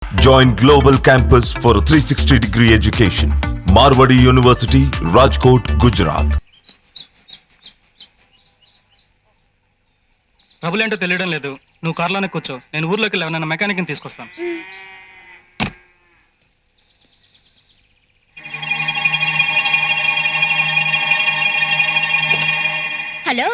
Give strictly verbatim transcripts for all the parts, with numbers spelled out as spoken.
Join Global Campus for a three sixty degree education. Marwadi University, Rajkot, Gujarat. ప్రభులేంటో తెలియడం లేదు. నువ్వు కార్లోనే కూర్చో, నేను ఊర్లోకి వెళ్ళి నన్ను మెకానిక్ని తీసుకొస్తాను. హలో,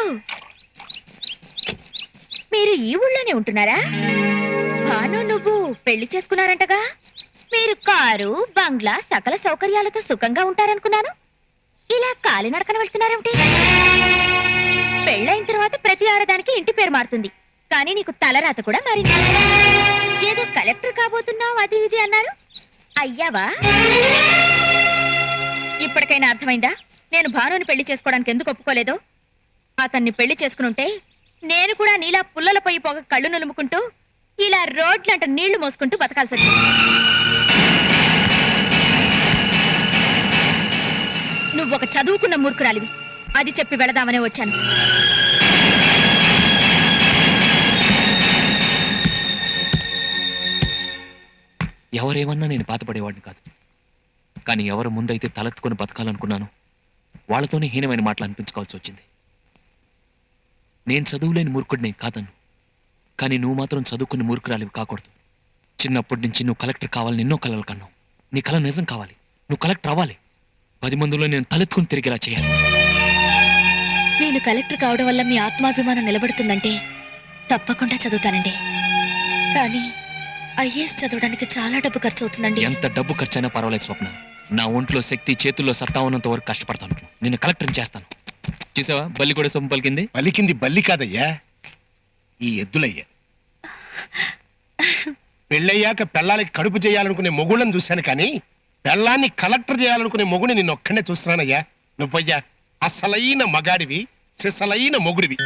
మీరు ఈ ఊళ్ళోనే ఉంటున్నారా? భాను నువ్వు పెళ్లి చేసుకున్నారంటగా. మీరు కారు బంగ్లా సకల సౌకర్యాలతో సుఖంగా ఉంటారనుకున్నాను. ఇలా కాలినడకన వెళ్తున్నారేమిటి? పెళ్ళైన తర్వాత ప్రతి ఆడదానికి ఇంటి పేరు మారుతుంది, కానీ నీకు తలరాత కూడా మారింది. ఏదో కలెక్టర్ కాబోతున్నావు అది ఇది అన్నారు, అయ్యావా? ఇప్పటికైనా అర్థమైందా నేను భానుని పెళ్లి చేసుకోవడానికి ఎందుకు ఒప్పుకోలేదో? అతన్ని పెళ్లి చేసుకునుంటే నేను కూడా నీలా పుల్లల పొయ్యి పోగ కళ్ళు నులుముకుంటూ ఇలా రోడ్లంట నీళ్లు మోసుకుంటూ బతకాల్సి వచ్చింది. నువ్వు ఒక చదువుకున్న మూర్ఖురాలివి, అది చెప్పి వెళదామనే వచ్చాను. ఎవరేమన్నా నేను బాధపడేవాడిని కాదు, కానీ ఎవరు ముందైతే తలెత్తుకొని బతకాలనుకున్నాను వాళ్ళతోనే హీనమైన మాటలు అనిపించుకోవాల్సి వచ్చింది. నేను చదువులేని మూర్ఖుడిని కాదను, కానీ నువ్వు మాత్రం చదువుకుని మూర్ఖురాలివి కాకూడదు. చిన్నప్పటి నుంచి నువ్వు కలెక్టర్ కావాలని ఎన్నో కలలు కన్నావు. నీ కళ నిజం కావాలి, నువ్వు కలెక్టర్ అవ్వాలి. పది మందిలో నేను తలెత్తుకుని తిరిగేలా చేయాలి. నేను కలెక్టర్ కావడం వల్ల మీ ఆత్మాభిమానం నిలబడుతుందంటే తప్పకుండా చదువుతానండి, కానీ ఐఏఎస్ చదవడానికి చాలా డబ్బు ఖర్చు అవుతుందండి. ఎంత డబ్బు ఖర్చైనా పర్వాలేదు స్వప్న, నా ఒంట్లో శక్తి చేతుల్లో సత్తా ఉన్నంత వరకు కష్టపడతాను. నేను కలెక్టర్ని చేస్తాను. చూసావా బల్లి కూడా సొమ్ము పలికింది. పలికింది బల్లి కాదయ్యా, ఈ ఎద్దులయ్యా. పెళ్ళయ్యాక పెళ్ళాలకి కడుపు చేయాలనుకునే మొగుళ్ళని చూశాను, కానీ పెళ్ళాన్ని కలెక్టర్ చేయాలనుకునే మొగుని నిన్ను ఒక్కనే చూస్తున్నానయ్యా. నువ్వయ్యా అసలైన మగాడివి, సిసలైన మొగుడివి.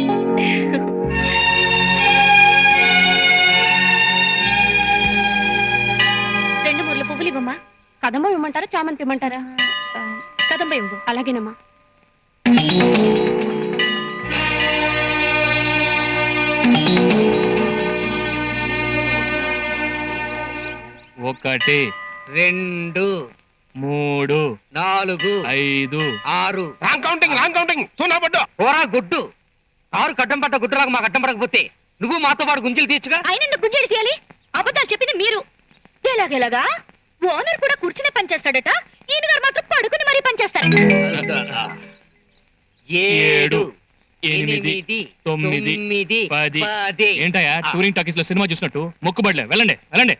రెండు మూర్ల పువ్వులు ఇవ్వమ్మా. కదంబ ఇవ్వమంటారా, చామంతి ఇవ్వమంటారా? కదంబ ఇవ్వు. అలాగేనమ్మా. ఒకటి, రెండు, మూడు, నాలుగు, ఐదు, ఆరు. Wrong counting, wrong counting. తూనా పడ్డా పోరా గుడ్డు. కారు కట్టం పట్ట గుడ్డురాకు మాకు అడ్డం పడకపోతే నువ్వు మాతో పాటు గుంజలు తీర్చుగా. ఆయన ఎందుకు గుంజేడి తీయాలి? అబద్ధాలు చెప్పింది మీరు. ఎలాగెలాగా ఓనర్ కూడా కూర్చునే పనిచేస్తాడట, ఈయన గారు మాత్రం పడుకుని మరీ పనిచేస్తారట. ఏడు, ఎనిమిది, తొమ్మిది, పది. ఏంటయ్యా టూరింగ్ టాకీస్ లో సినిమా చూసినట్టు మొక్కుబడిలే. వెళ్ళండి వెళ్ళండి.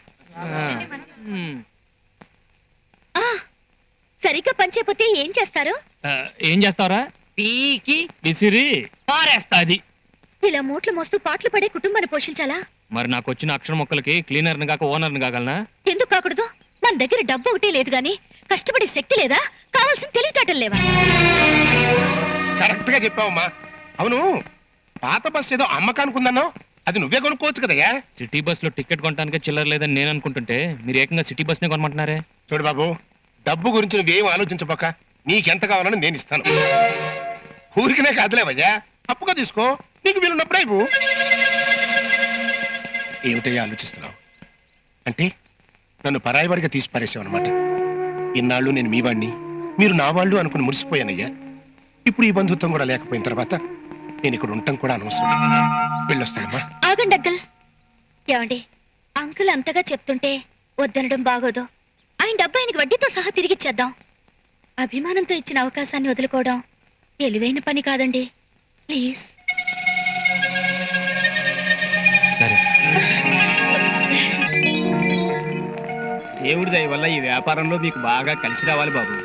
సరిగ్గా పనిచేయకపోతే ఏం చేస్తారు? ఏం చేస్తావరా? పీకి విసిరి పారేస్తా. అది ఇలా మూట్లు మోస్తూ పాటలు పడే కుటుంబాన్ని పోషించాలా? మరి నాకు వచ్చిన అక్షర మొక్కలకి క్లీనర్ ని కాక ఓనర్ ని కాగలనా? ఎందుకు కాకూడదు? మన దగ్గర డబ్బు ఒకటే లేదు గాని కష్టపడే శక్తి లేదా? కావాల్సిన తెలివితేటలు లేవా? కరెక్ట్ గా చెప్పావమ్మా. అవును, పాత బస్ ఏదో అమ్మకానుకుందన్నావు, అది నువ్వే కొనుక్కోవచ్చు కదయ్యా. సిటీ బస్ లో టికెట్ కొనడానికి చిల్లర లేదని నేను అనుకుంటుంటే మీరు ఏకంగా సిటీ బస్ నే కొనమంటున్నారే. చూడు బాబు, డబ్బు గురించి నువ్వేం ఆలోచించపోక నీకెంత కావాలని నేను ఇస్తాను. ఊరికినే కాదులేవయ్యా, అప్పుగా తీసుకో, నీకు వీలున్నప్పుడే ఇవ్వు. ఏమిటయ్యా ఆలోచిస్తున్నావు? అంటే నన్ను పరాయివాడిగా తీసి పారేసావు అనమాట. ఇన్నాళ్ళు నేను మీ వాడిని, మీరు నా వాళ్ళు అనుకుని మురిసిపోయానయ్యా. ఇప్పుడు ఈ బంధుత్వం కూడా లేకపోయిన తర్వాత నేను ఇక్కడ ఉండటం కూడా అనవసరం. వెళ్ళొస్తానమ్మా. ఆగండి అంకుల్. ఏమండి, అంకుల్ అంతగా చెప్తుంటే వద్దనడం బాగోదు. ఆయన డబ్బు ఆయనకి వడ్డీతో సహా తిరిగిచ్చేద్దాం. అభిమానంతో ఇచ్చిన అవకాశాన్ని వదులుకోవడం తెలివైన పని కాదండి. ప్లీజ్. సరే. దేవుడి దయ వల్ల ఈ వ్యాపారంలో మీకు బాగా కలిసి రావాలి బాబు.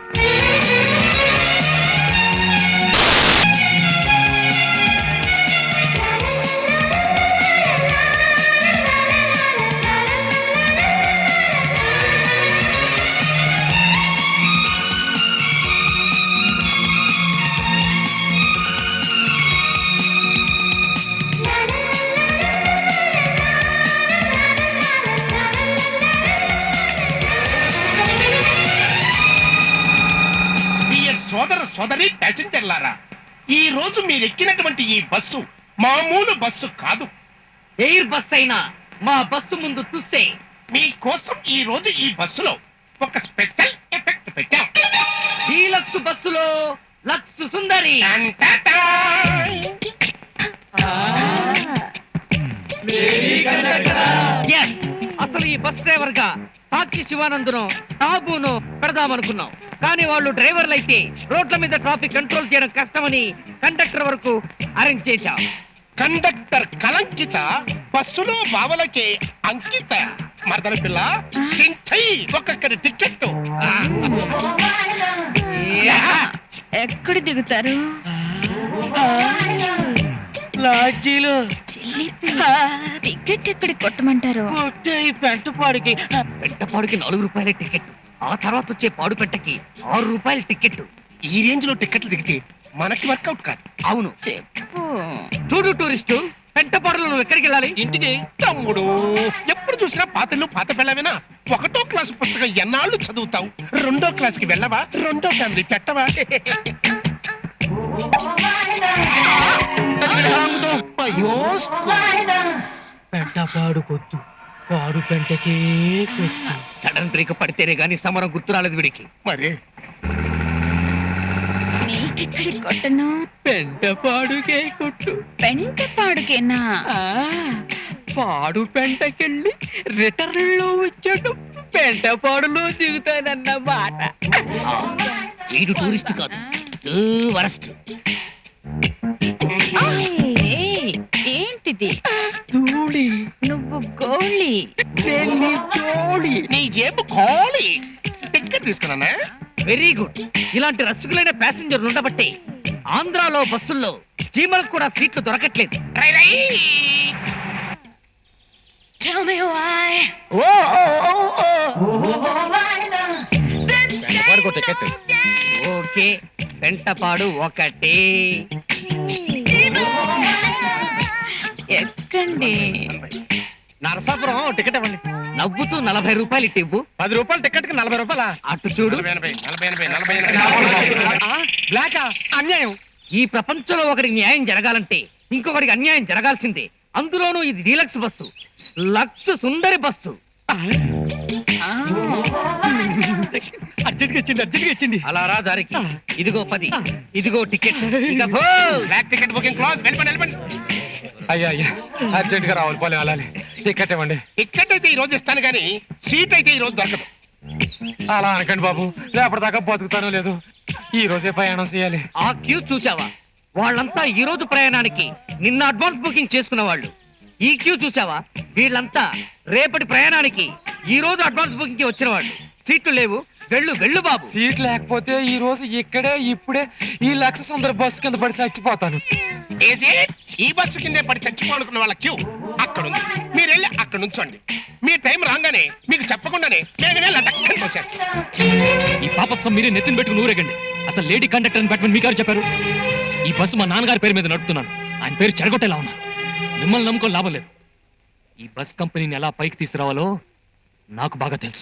సోదర సోదరి ప్యాసింజర్లారా, ఈ రోజు మీరు ఎక్కినటువంటి ఈ బస్సు మామూలు బస్సు కాదు. ఎయిర్ బస్ అయినా మా బస్సు ముందు తుస్సే మీకోసం ఈ రోజు ఈ బస్సులో ఒక స్పెషల్ ఎఫెక్ట్ పెట్టాం. డీలక్స్ బస్సులో లక్స్ సుందరి. టంటటా! Yes, అసలు ఈ బస్ డ్రైవర్ గా సాక్షి శివానందును టాబును పెడదామనుకున్నాం, కానీ వాళ్ళు డ్రైవర్లు అయితే రోడ్ల మీద ట్రాఫిక్ కంట్రోల్ చేయడం కష్టమని కండక్టర్ వరకు అరేంజ్ చేశాం. కండక్టర్ కలంకిత బస్సులో బావలకే అంకిత. మరదల పిల్ల చించై ఒక్కొక్కరి టికెట్. ఎక్కడ దిగుతారు? లాడ్జీలో టికెట్ ఎక్కడ కొట్టమంటారు? పెంటపాడుకి పెంటపాడుకి నాలుగు రూపాయల టికెట్, ఆ తర్వాత వచ్చే పాడు పెట్టకి ఆరు రూపాయల టికెట్. ఈ రేంజ్ లో టికెట్లు దిగితే మనకి వర్కౌట్ కాదు. అవును, చెప్పు. చూడు టూరిస్టు, పెంటపాడులో నువ్వు ఎక్కడికి వెళ్ళాలి? ఇంటికి. తమ్ముడు ఎప్పుడు చూసినా పాతలు పాత పిల్లవేనా? ఒకటో క్లాసు పుస్తకం ఎన్నాళ్ళు చదువుతావు? రెండో క్లాస్ కి వెళ్ళవా? రెండో ఫ్యామిలీ పెట్టవా? అయ్యో, పెంటపాడు కొట్టు, పాడు పెంటకే కొట్టు. సడన్ బ్రేక్ పడితేనే గానీ సమరం గుర్తు రాలేదు వీడికి. మరి నీకెక్కడ కొట్టను? పెంటపాడుకే కొట్టు. పెంట పాడుకేనా? పాడు పెంటకెళ్ళి రిటర్న్ లో వచ్చాడు, పెంటపాడులో దిగుతానన్నమాట. వీడు టూరిస్ట్ కాదు, వరస్ట్. ఏయ్, ఏంటిది? ధూళి. నువ్వు గోళి. నేను జోడి. నీ జేబు ఖాళీ. టికెట్ తీసుకున్నానా? Very good. ఇలాంటి రసికులైన ప్యాసింజర్లు ఉండబట్టే ఆంధ్రాలో బస్సుల్లో చీమలకు కూడా సీట్లు దొరకట్లేదు. రై రై. Tell me why. Okay, Pentapadu ఒకటే. ఎక్కండి. నరసాపురం టికెట్ ఇవ్వండి. నవ్వుతూ నలభై రూపాయలు ఇట్టి ఇవ్వు. పది రూపాయలు టికెట్ కి నలభై రూపాయల. అటు చూడు. నలభై ఎనభై, నలభై ఎనభై, నలభై ఎనభై. బ్లాకా? అన్యాయం. ఈ ప్రపంచంలో ఒకరికి న్యాయం జరగాలంటే ఇంకొకరికి అన్యాయం జరగాల్సిందే. అందులోనూ ఇది డీలక్స్ బస్సు, లక్స్ సుందరి బస్సు. అర్జెంట్గా ఇచ్చింది, అర్జెంట్గా ఇచ్చింది. అలా రా దారికి. ఇదిగో పది, ఇదిగో టికెట్. ఇక పో. Black ticket booking close. వెళ్ళిపోండి, వెళ్ళిపోండి. అయ్యా అయ్యా అర్జెంట్ గా రావాలి, పోలే వెళ్ళాలి. టికెట్ ఇవ్వండి. టికెట్ అయితే ఈ రోజు ఇస్తాను కానీ సీట్ అయితే ఈ రోజు దొరకదు. అలా అనకండి బాబు, రేపటిదాకా బతుకుతానో లేదు. ఈ రోజే ప్రయాణం చేయాలి. ఆ క్యూ చూసావా? వాళ్ళంతా ఈ రోజు ప్రయాణానికి నిన్న అడ్వాన్స్ బుకింగ్ చేసుకున్న వాళ్ళు. ఈ క్యూ చూసావా? వీళ్ళంతా రేపటి ప్రయాణానికి ఈ రోజు అడ్వాన్స్ బుకింగ్ కి వచ్చిన వాళ్ళు. సీట్లు లేవు, వెళ్ళు వెళ్ళు బాబు. సీట్ లేకపోతే ఈ రోజు ఇక్కడే ఇప్పుడే ఈ లక్ష సుందర బస్సు కింద పడి చచ్చిపోతాను. Is it? ఈ బస్సు కిందే పడి చచ్చిపోనుకున్న వాళ్ళ క్యూ అక్కడ ఉంది. మీరు వెళ్ళి అక్కడ నుంచోండి. మీ టైం రాగానే మీకు చెప్పకుండానే నేను వెళ్ళి లటక్కని తోసేస్తాను. ఈ పాపత్సం మీరే నెత్తిన పెట్టుకుని ఊరేగండి. అసలు లేడీ కండక్టర్ అని పెట్టమని మీకు చెప్పారు? ఈ బస్సు మా నాన్నగారి పేరు మీద నడుపుతున్నాను. ఆయన పేరు చెడగొట్టేలా ఉన్నారు. మిమ్మల్ని నమ్ముకొని లాభం లేదు. ఈ బస్ కంపెనీని ఎలా పైకి తీసుకురావాలో నాకు బాగా తెలుసు.